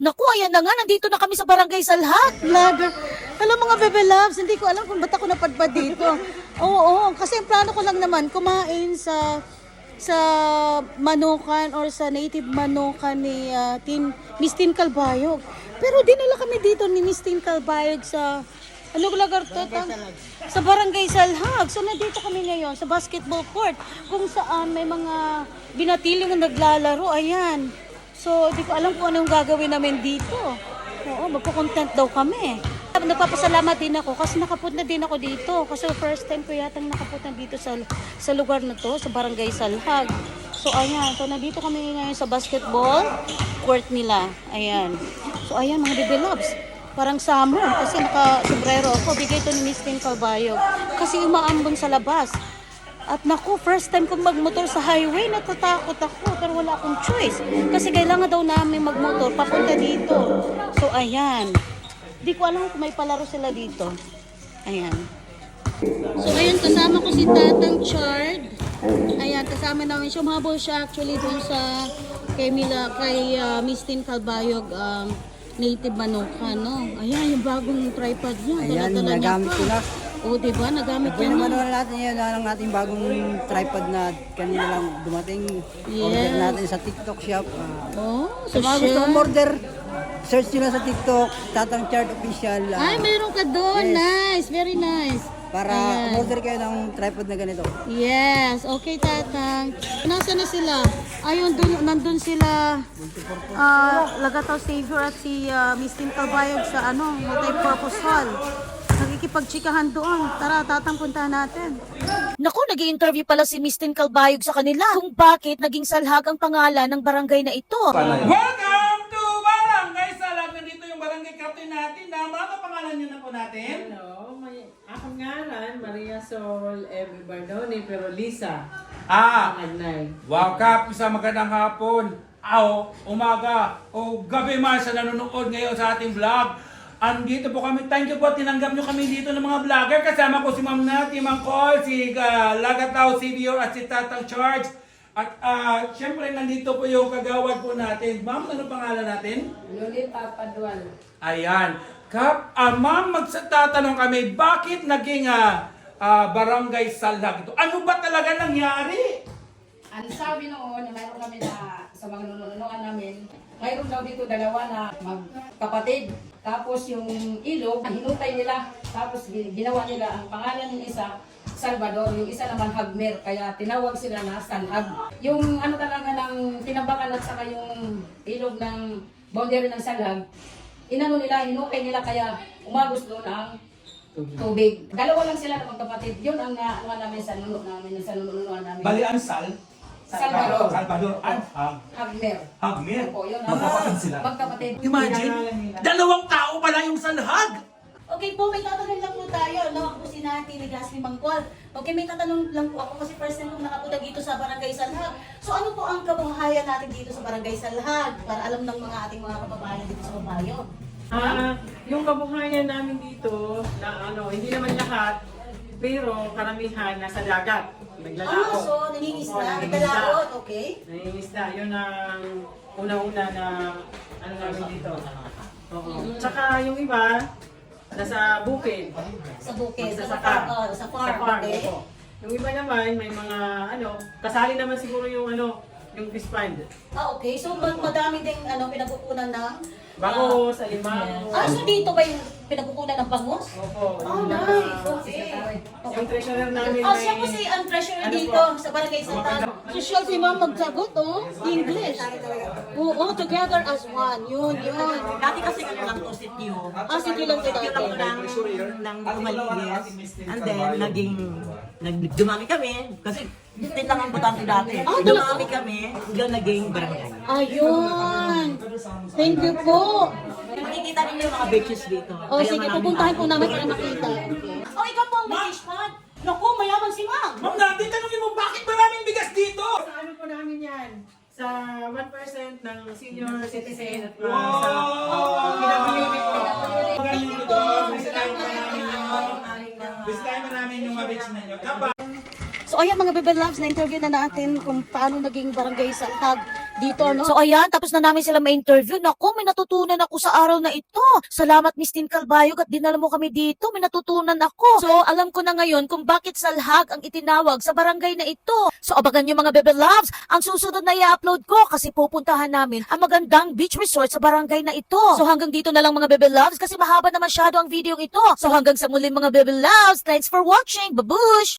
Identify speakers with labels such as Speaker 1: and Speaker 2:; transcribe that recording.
Speaker 1: Naku, ayan na nga, nandito na kami sa Barangay Salhag.
Speaker 2: Vlogger. Hello mga bebe loves, hindi ko alam kung ba't ako napadpad dito. Oo, kasi ang plano ko lang naman kumain sa manukan or sa native manukan ni Miss Tin Calbayog. Pero dinala kami dito ni Miss Tin Calbayog sa ano lugar to? Sa Barangay Salhag. So nandito kami ngayon sa basketball court kung saan may mga binatiling na naglalaro. Ayan. So, di ko alam kung anong gagawin namin dito. Oo, magpo-content daw kami. Nagpapasalamat din ako kasi nakapunta din ako dito. Kasi first time ko yatang nakapunta dito sa lugar na to, sa Barangay Salhag. So, ayan. So, nandito kami ngayon sa basketball court nila. Ayan. So, ayan mga baby loves. Parang summer kasi naka-sombrero ako. Bigay to ni Miss Tin Calbayog. Kasi umaambon sa labas. At naku, first time kong magmotor sa highway, natatakot ako pero wala akong choice. Kasi kailangan daw namin magmotor papunta dito. So ayan. Di ko alam kung may palaro sila dito. Ayan. So ayan, kasama ko si Tatang Chard. Ayan, kasama namin siya. Mahabol siya actually dun sa kay Miss Tin Calbayog native manukan, no? Ayan, yung bagong tripod niya.
Speaker 3: Ayan, nagamit ko na.
Speaker 2: O, diba? Nagamit
Speaker 3: Pwede
Speaker 2: niya
Speaker 3: naman
Speaker 2: na.
Speaker 3: natin yun, ang ating bagong tripod na kanina lang dumating. Order
Speaker 2: Yes.
Speaker 3: natin sa TikTok shop.
Speaker 2: Oh,
Speaker 3: Sa mga gusto mong order, search nyo lang sa TikTok, Tatang Chard Official.
Speaker 2: Ay, mayroon ka doon.
Speaker 3: Yes.
Speaker 2: Nice. Very nice.
Speaker 3: Para
Speaker 2: Ayan.
Speaker 3: order kayo ng tripod na ganito.
Speaker 2: Yes. Okay, Tatang. Nasaan na sila? Ayun, nandun sila. Lagataw Savior at si Miss Tin Calbayog sa multi-purpose hall. Nakikipagchikahan doon. Tara, Tatang, puntahan natin.
Speaker 1: Naku, nag-i-interview pala si Miss Tin Calbayog sa kanila kung bakit naging Salhag ang pangalan ng barangay na ito.
Speaker 4: Welcome to Barangay Salhag! Nandito yung barangay captain natin na mga pangalan nyo na po natin.
Speaker 5: Hello, akong ngalan, Maria Sol M. Bardoni, pero Lisa,
Speaker 4: Ah,
Speaker 5: Agnay.
Speaker 4: wow Kap, isa magandang hapon, umaga, o gabi man sa nanonood ngayon sa ating vlog. Andito po kami, thank you po, tinanggap nyo kami dito ng mga vlogger. Kasama ko si Ma'am Nati, Ma'am Col, si Lagataw Savior at si Tatang Charge. At syempre nandito po yung kagawad po natin. Ma'am, ano pangalan natin?
Speaker 5: Lolita Paduan.
Speaker 4: Ayan. Kap, ma'am, magtatanong kami, bakit naging barangay Salhag ito? Ano ba talaga nangyari?
Speaker 6: Ang sabi noon, na mayroon kami na sa mga nununuan namin, mayroon daw dito dalawa na magkapatid. Tapos yung ilog, hinutay nila. Tapos ginawa nila ang pangalan ng isa, Salvador. Yung isa naman, Hagmer. Kaya tinawag sila na Salhag. Yung ano talaga ng tinambakan at saka yung ilog ng boundary ng Salhag, inano nila, hinukay nila kaya umagos doon ang tubig. Dalawa lang sila na magkapatid. Yun ang ano namin sa nununuan namin.
Speaker 4: Balian
Speaker 6: Salvador.
Speaker 4: Salvador.
Speaker 6: Hagmer.
Speaker 4: Hagmer.
Speaker 6: Opo, yun.
Speaker 4: Magkapatid sila.
Speaker 6: Magkapatid.
Speaker 4: Imagine, dalawang tao pala yung Salhag.
Speaker 2: Okay po, may tatanong lang po tayo. Ako po si Nati Ligas ni Mangkol. Okay, may tatanong lang po ako kasi first time kong nakapunta dito sa Barangay Salhag. So ano po ang kabuhayan natin dito sa Barangay Salhag? Para alam ng mga ating mga kababayan dito sa Babayo.
Speaker 5: Yung kabuhayan namin dito, na hindi naman lahat, pero karamihan nasa dagat. Naglalao.
Speaker 2: So nangingisda,
Speaker 5: Oo,
Speaker 2: nagdalaot, okay?
Speaker 5: Nangingisda. Yun ang una-una na namin dito. Oo. Tsaka yung iba, nasa bukid.
Speaker 2: Sa bukid, sa
Speaker 5: Magsasaka.
Speaker 2: farm, sa farm, okay?
Speaker 5: opo. Yung iba naman, may mga kasali naman siguro yung yung fish pond.
Speaker 2: Okay. So madami ding pinagkukunan ng
Speaker 5: Bango, sa limang.
Speaker 2: so dito ba yung pinagkukunan ng bangus?
Speaker 5: Opo.
Speaker 2: Oh,
Speaker 5: yung
Speaker 2: nice. Okay.
Speaker 5: Yung treasurer namin
Speaker 2: Siya po si ang treasurer dito sa Barangay Salhag. Social si Ma'am magsagot, English. Oo, together as one. Yun.
Speaker 7: Dati kasi ano lang to, sityo.
Speaker 2: City lang ito.
Speaker 7: Sityo lang po ng Lumaligas. And then, dumami kami. Kasi, din lang ang butante dati. Dumami kami, hanggang naging barangay.
Speaker 2: Ayun. Thank you po.
Speaker 7: Makikita ninyo yung mga beaches dito.
Speaker 2: O sige, pupuntahan po namin para makita. Ikaw po, Miss Pad. Naku, mayaman si Ma'am.
Speaker 4: Ma'am Nati, tanongin mo, bakit maraming bigas dito?
Speaker 5: Sa ano po namin yan? Sa 1% ng senior citizen at
Speaker 4: Wow!
Speaker 5: sa pinag-limit po.
Speaker 4: Magaling ko doon. Bisitahin mo namin yung mga beach ninyo. Kapa.
Speaker 2: So ayan mga Bebe Loves, na-interview na natin kung paano naging barangay salhag dito, no?
Speaker 1: So ayan, tapos na namin sila ma-interview. Naku, may natutunan ako sa araw na ito. Salamat Miss Tin Calbayog at dinala mo kami dito. May natutunan ako. So alam ko na ngayon kung bakit salhag ang itinawag sa barangay na ito. So abangan nyo mga Bebe Loves, ang susunod na i-upload ko kasi pupuntahan namin ang magandang beach resort sa barangay na ito. So hanggang dito na lang mga Bebe Loves kasi mahaba na masyado ang video ito. So hanggang sa muli mga Bebe Loves, thanks for watching. Babush!